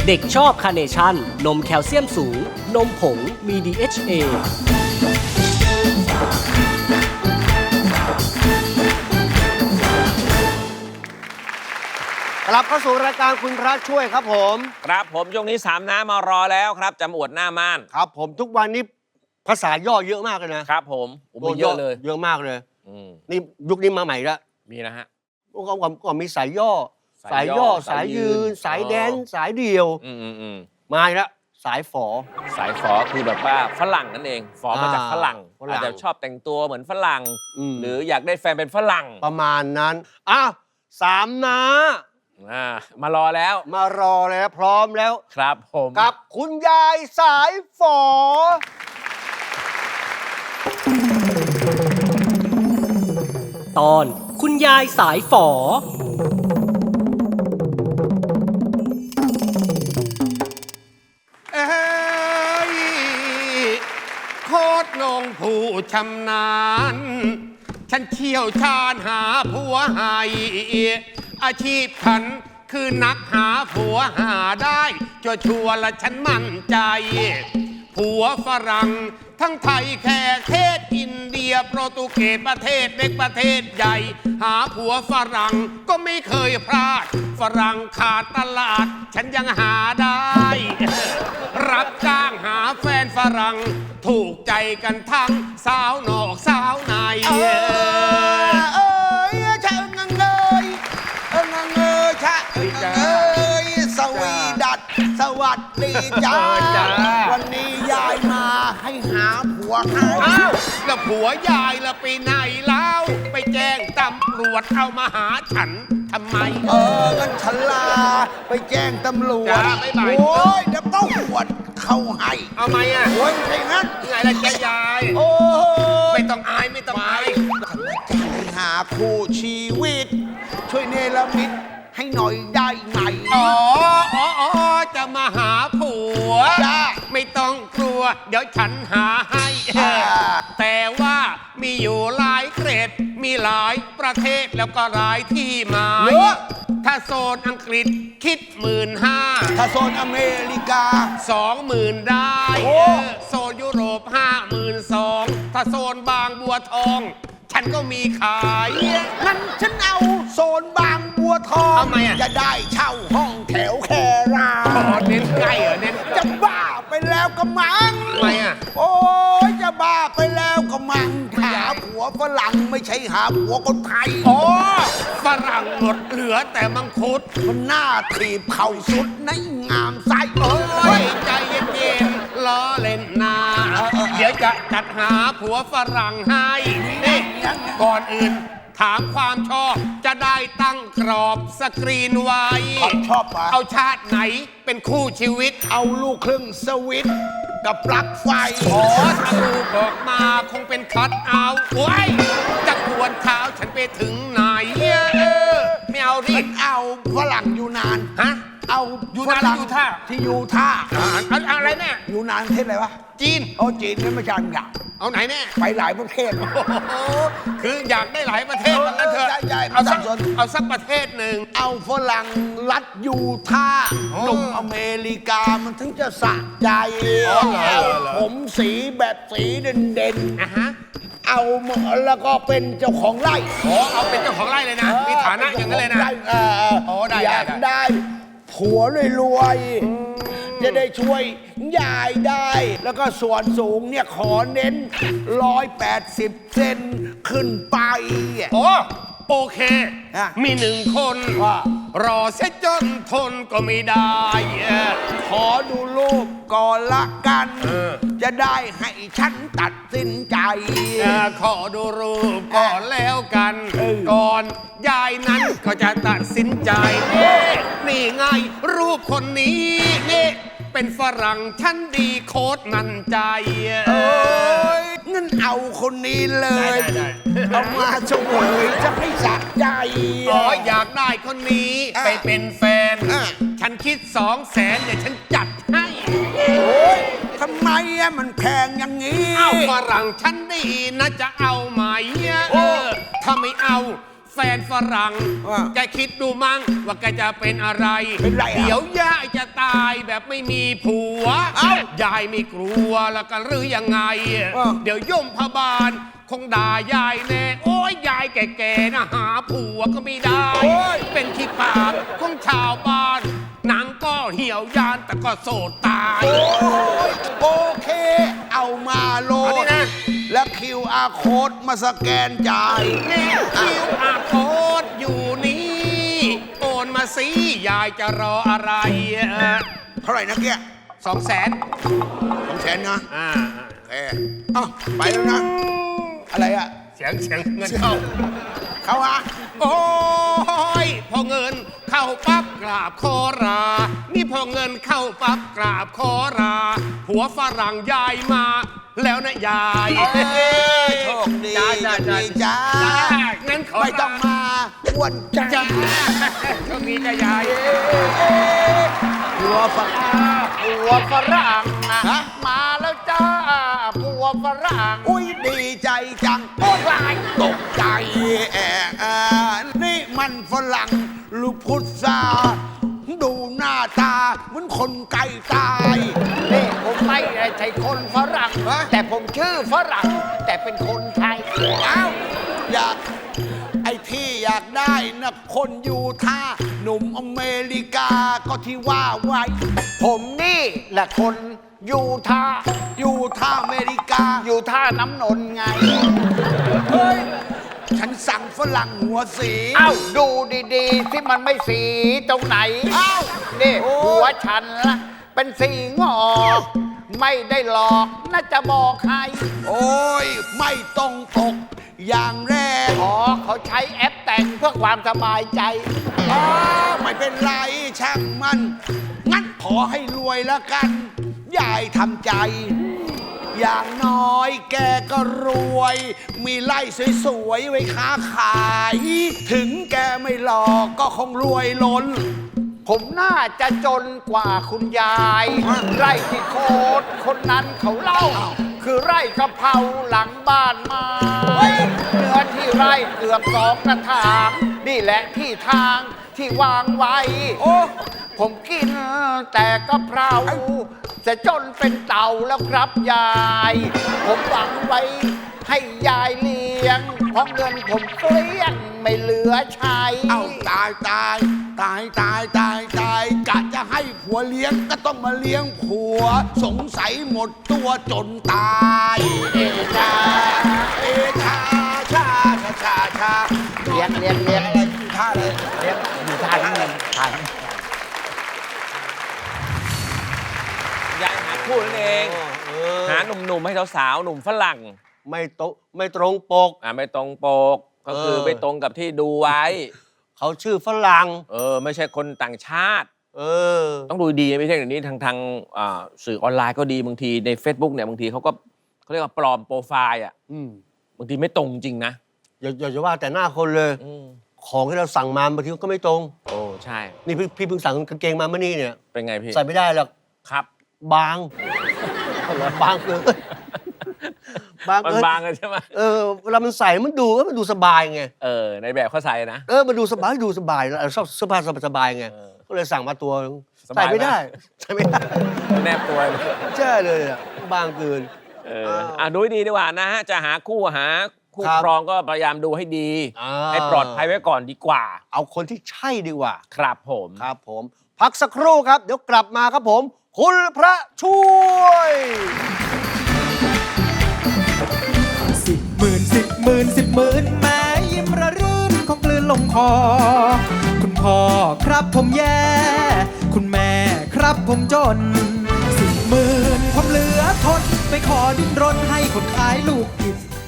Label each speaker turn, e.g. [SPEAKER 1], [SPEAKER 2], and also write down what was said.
[SPEAKER 1] เด็กชอบคาร์เนชั่นนมแคลเซียมสูงนมผงมี DHA
[SPEAKER 2] กลับเข้าสู่รายการคุณพระช่วยครับผม
[SPEAKER 3] ครับผมช่วงนี้3น้ามารอแล้วครับจำอวดหน้าม่าน
[SPEAKER 2] ครับผมทุกวันนี้ภาษาย่อเยอะมากเลยนะครับ
[SPEAKER 3] ผมมีเยอะเลย
[SPEAKER 2] เยอะมากเลยนี่ยุคนี้มาใหม่แล้ว
[SPEAKER 3] มีนะฮะ
[SPEAKER 2] ก็มีสายย่อสายยืนสายแดนสายเดียวมาอีกแล้วสายฝอ
[SPEAKER 3] คือแบบว่าฝรั่งนั่นเองฝอมาจากฝรั่งอาจจะชอบแต่งตัวเหมือนฝรั่งหรืออยากได้แฟนเป็นฝรั่ง
[SPEAKER 2] ประมาณนั้นอ้าว3น้
[SPEAKER 3] ามารอแล้ว
[SPEAKER 2] พร้อมแล้ว
[SPEAKER 3] ครับผม
[SPEAKER 2] กับคุณยายสายฝอ
[SPEAKER 1] ตอนคุณยายสายฝอ
[SPEAKER 4] โคตรนงผู้ชำนาญฉันเชี่ยวชาญหาผัวให้อาชีพฉันคือนักหาผัวหาได้ชัวร์ละฉันมั่นใจผัวฝรั่งทั้งไทยแขกเทศอินเดียโปรตุเกสประเทศเล็กประเทศใหญ่หาผัวฝรั่งก็ไม่เคยพลาดฝรั่งขาดตลาดฉันยังหาได้รับจ้างหาแฟนฝรั่งถูกใจกันทั้งสาวนอกสาวใน
[SPEAKER 5] สวีดัตสวัสดีจ้าวันนี้ยายมาให้หาผัวให้
[SPEAKER 4] อ้าวแล้วผัวยายละไปไหนแล้วไปแจ้งตำรวจเอามาหาฉันทำไม
[SPEAKER 5] งั้นฉันลาไปแจ้งตำรวจโอ้ยเดี๋ยวต้องหวดเข้าให้
[SPEAKER 4] เอาไหมอ่ะ
[SPEAKER 5] โอ้ยใช่งั้น
[SPEAKER 4] ไงล่ะแกยาย
[SPEAKER 5] โอ้
[SPEAKER 4] ไม่ต้องอายฉันมา
[SPEAKER 5] จะหาคู่ชีวิตช่วยเนรมิตให้หน่อยได้ไหม
[SPEAKER 4] จะมาหาผัวไม่ต้องกลัวเดี๋ยวฉันหาให้แต่ว่ามีอยู่หลายเกรดมีหลายประเทศแล้วก็หลายที่หมายถ้าโซนอังกฤษคิด15,000
[SPEAKER 5] ถ้าโซนอเมริกา
[SPEAKER 4] 20,000ได้โซนยุโรป52,000ถ้าโซนบางบัวทองฉันก็มีขาย
[SPEAKER 5] งั้นฉันเอาโซนบางบัวทอง
[SPEAKER 4] ทำไมอ่ะ
[SPEAKER 5] จะได้เช่าห้องแถวแครา
[SPEAKER 4] เน้นใกล้เน้น
[SPEAKER 5] จะบ้าไปแล้วก็มัง
[SPEAKER 4] ทำไมอ่ะ
[SPEAKER 5] โอ้ยจะบ้าไปแล้วก็มังหาผัวฝรั่งไม่ใช่หาผัวคนไทย
[SPEAKER 4] ฝรั่งหมดเหลือแต่มังคุด
[SPEAKER 5] มันหน้าถีบเข่าสุดในงามไส้
[SPEAKER 4] ใจเย็นๆล้อเล่นนาเดี๋ยวจะจัดหาผัวฝรั่งให้นี่ก่อนอื่นถามความชอบจะได้ตั้งกรอบสกรีนไว้
[SPEAKER 5] ชอบ
[SPEAKER 4] เอาชาติไหนเป็นคู่ชีวิต
[SPEAKER 5] เอาลูกครึ่งสวิตกับปลั๊กไฟ
[SPEAKER 4] ถ้าลูกออกมาคงเป็นคัทเอาท์โอ้ยจะกวนเท้าฉันไปถึงไหนไม่เอาดิ
[SPEAKER 5] เอาฝรั่งอยู่นาน
[SPEAKER 4] ฮะ
[SPEAKER 5] เอา
[SPEAKER 4] อยู่นานอยู่ท่า
[SPEAKER 5] ที่อยู่ท่า
[SPEAKER 4] อะไรแน่
[SPEAKER 5] อยู่นานประเทศอะไรวะ
[SPEAKER 4] จีน
[SPEAKER 5] จีนนี่ไม่ใช่อยาก
[SPEAKER 4] เอาไหนแน่
[SPEAKER 5] ไปหลายประเทศ
[SPEAKER 4] คืออยากได้หลายประเทศมันนั่นเถอะเอาสักประเทศหนึ่ง
[SPEAKER 5] เอาฝรั่งรัฐยูทาห์หนุ่มอเมริกามันถึงจะสะใจผมสีแบบสีเด่นๆเอาแล้วก็เป็นเจ้าของไร่
[SPEAKER 4] เอาเป็นเจ้าของไร่เลยนะมีฐานะอย่างนั้นเลยนะ
[SPEAKER 5] อยากได้ผัวรวยๆจะได้ช่วยยายได้แล้วก็ส่วนสูงเนี่ยขอเน้น180 เซนขึ้นไป
[SPEAKER 4] โอเคมี1 คนรอเสียจนทนก็ไม่ได้
[SPEAKER 5] ขอดูรูปก่อนละกันจะได้ให้ฉันตัดสินใจ
[SPEAKER 4] ขอดูรูปก่อนแล้วกันก่อนยายนั้นก็จะตัดสินใจนี่ไงรูปคนนี้นี่เป็นฝรั่งชั้นดีโคตรมั่นใจ
[SPEAKER 5] งั้นเอาคนนี้เลยเอามาช่วยจะให้สะใจ
[SPEAKER 4] อยากได้คนนี้ไปเป็นแฟนฉันคิด200,000เดี๋ยวฉันจัดให้
[SPEAKER 5] ทำไมมันแพงอย่างนี้
[SPEAKER 4] ฝรั่งชั้นดีนะจะเอาไหมถ้าไม่เอาแฟนฝรั่ง แกคิดดูมั้งว่าแกจะเป็นอะไร
[SPEAKER 5] เป็นไรอ่ะ
[SPEAKER 4] เดี๋ยวยายจะตายแบบไม่มีผัว
[SPEAKER 5] เอ้า
[SPEAKER 4] ยายไม่กลัวแล้วกันหรือยังไง เดี๋ยวย่มพบาลคงด่ายายแน่ โอ้ยยายแก่ๆนะหาผัวก็ไม่ได้ เป็นขี้ปากของชาวบ้าน หนังก็เหี่ยวยานแต่ก็โสดตาย
[SPEAKER 5] โอเค เอามาโหล
[SPEAKER 4] เอาดิ
[SPEAKER 5] ด
[SPEAKER 4] นะ
[SPEAKER 5] แล้ว QR code มาสแกนจ่าย
[SPEAKER 4] นี่คิวอาโค้ดอยู่นี่ โอนมาสิยายจะรออะไร
[SPEAKER 5] เท่าไหร่นะเกี้ย
[SPEAKER 4] 200,000
[SPEAKER 5] 200,000นะ
[SPEAKER 4] อ่า
[SPEAKER 5] โอเคเอ้าไปแล้วนะ อะไรอะ
[SPEAKER 4] เสียงเงินเข้า
[SPEAKER 5] เขาอะ
[SPEAKER 4] โอ้ยพอเงินเข้าปั๊บกราบขอรา นี่พอเงินเข้าปั๊บกราบขอรา ผัวฝรั่งยายมา แล้วนะยาย
[SPEAKER 5] โชคดี
[SPEAKER 4] จ้า
[SPEAKER 5] จ้า
[SPEAKER 4] งั้นขอ
[SPEAKER 5] ไม่ต้องมาอ้วนจ้า
[SPEAKER 4] จ้าโชคดีจ้ายาย
[SPEAKER 5] หัวฝัก
[SPEAKER 6] ผัวฝรั่งอะ
[SPEAKER 5] ฮะ
[SPEAKER 6] มาแล้วจ้าผัวฝรั่ง
[SPEAKER 5] อุ้ยดีใจจังโอ้ยตกใจนี่มันฝรั่งลูกพุทธาดูหน้าตาเหมือนคนไก่ตาย
[SPEAKER 6] นี่ผมไม่ใช่คนฝรั่ง
[SPEAKER 5] ฮะ
[SPEAKER 6] แต่ผมชื่อฝรั่ง แต่เป็นคนไทย
[SPEAKER 5] อ้าวอยากไอ้ที่อยากได้นะคนอยู่ท่าหนุ่มอเมริกาก็ที่ว่าไว้
[SPEAKER 6] ผมนี่แหละคนยูทาห์
[SPEAKER 5] อยู่ท่าอเมริกา
[SPEAKER 6] ยูทาห์น้ำนนท์ไง
[SPEAKER 5] เฮ้ย ฉันสั่งฝรั่งหัวสี
[SPEAKER 6] เอ้าดูดีๆ ที่มันไม่สีตรงไหน
[SPEAKER 5] เอ้า
[SPEAKER 6] นี่
[SPEAKER 5] โอ้ย
[SPEAKER 6] หัวฉันละเป็นสีงอกไม่ได้หลอกน่าจะบอกใคร
[SPEAKER 5] โอ้ย ไม่ต้องตกอย่างแรก
[SPEAKER 6] อ๋อเขาใช้แอปแต่งเพื่อความสบายใจ
[SPEAKER 5] อ๋อไม่เป็นไรช่างมัน งั้นขอให้รวยแล้วกัน ยายทำใจ อย่างน้อยแกก็รวย มีไร่สวยๆไว้ค้าขาย ถึงแกไม่หลอกก็คงรวยล้น
[SPEAKER 6] ผมน่าจะจนกว่าคุณยาย ไร่ที่โคตรคนนั้นเขาเล่า คือไร่กะเพราหลังบ้านไม้เนื้อที่ไร่เกือบ2 กระถาง นี่แหละที่ทางที่วางไว้
[SPEAKER 5] โอ้
[SPEAKER 6] ผมกินแต่กะเพราจะจนเป็นเต่าแล้วครับยาย ผมหวังไว้ให้ยายเลี้ยง เพราะเงินผมเกลี้ยงไม่เหลือใช้
[SPEAKER 5] เอาตายกะจะให้ผัวเลี้ยงก็ต้องมาเลี้ยงผัว สงสัยหมดตัวจนตายเอชาเอชาชา
[SPEAKER 6] เลี้ยง
[SPEAKER 5] อะไรอยู่ท่าเลย
[SPEAKER 6] เลี้ยงอยู่ทางเงินทาง
[SPEAKER 3] ยายหาคู่นั่นเอง หาหนุ่มๆให้สาวๆหนุ่มฝรั่ง
[SPEAKER 2] ไม่ตรงปก
[SPEAKER 3] ไม่ตรงปก ก็คือไม่ตรงกับที่ดูไว้
[SPEAKER 2] เขาชื่อฝรั่ง
[SPEAKER 3] ไม่ใช่คนต่างชาติ
[SPEAKER 2] เออ
[SPEAKER 3] ต้องดูดีไม่ใช่อย่างนี้ทางสื่อออนไลน์ก็ดีบางทีใน Facebook เนี่ยบางทีเขาเรียกว่าปลอมโปรไฟล์อ่ะ
[SPEAKER 2] อืม
[SPEAKER 3] บางทีไม่ตรงจริงนะ
[SPEAKER 2] อย่าจะว่าแต่หน้าคนเลย ของที่เราสั่งมาบางทีก็ไม่ตรง
[SPEAKER 3] โอ้ใช่
[SPEAKER 2] นี่พี่เพิ่งสั่งกางเกงมาเมื่อนี้เนี่ย
[SPEAKER 3] เป็นไงพี่
[SPEAKER 2] ใส่ไม่ได้หรอก
[SPEAKER 3] ครับ
[SPEAKER 2] บางบางเกินบาง
[SPEAKER 3] มัน
[SPEAKER 2] เกิน
[SPEAKER 3] บางเลยใช่ไหม
[SPEAKER 2] เวลามันใส่มันดูสบายไง
[SPEAKER 3] ในแบบเขาใส่นะ
[SPEAKER 2] มันดูสบายเราชอบเสื้อผ้าสบายไง ก็เลยสั่งมาตัวนึง
[SPEAKER 3] สบาย
[SPEAKER 2] ใส่ไม่ได้
[SPEAKER 3] ไหม
[SPEAKER 2] ใส่ไม่ได้
[SPEAKER 3] แนบตัวเลย
[SPEAKER 2] ใช่เลยอะบางเกิน
[SPEAKER 3] ดูให้ดีดีกว่านะฮะจะหาคู่
[SPEAKER 2] ครับ
[SPEAKER 3] ครองก็พยายามดูให้ดี
[SPEAKER 2] อ่า
[SPEAKER 3] ให้ปลอดภัยไว้ก่อนดีกว่า
[SPEAKER 2] เอาคนที่ใช่ดีกว่า
[SPEAKER 3] ครับผม
[SPEAKER 2] ครับผม พักสักครู่ครับ เดี๋ยวกลับมาครับผม คุณพระช่วย
[SPEAKER 7] 10,000 แม้ยิ้มระรื่นคงกลืนลงคอ คุณพ่อครับผมแย่ คุณแม่ครับผมจน 10,000 ผมเหลือทนไปขอดิ้นรนให้คนขายลูกผิด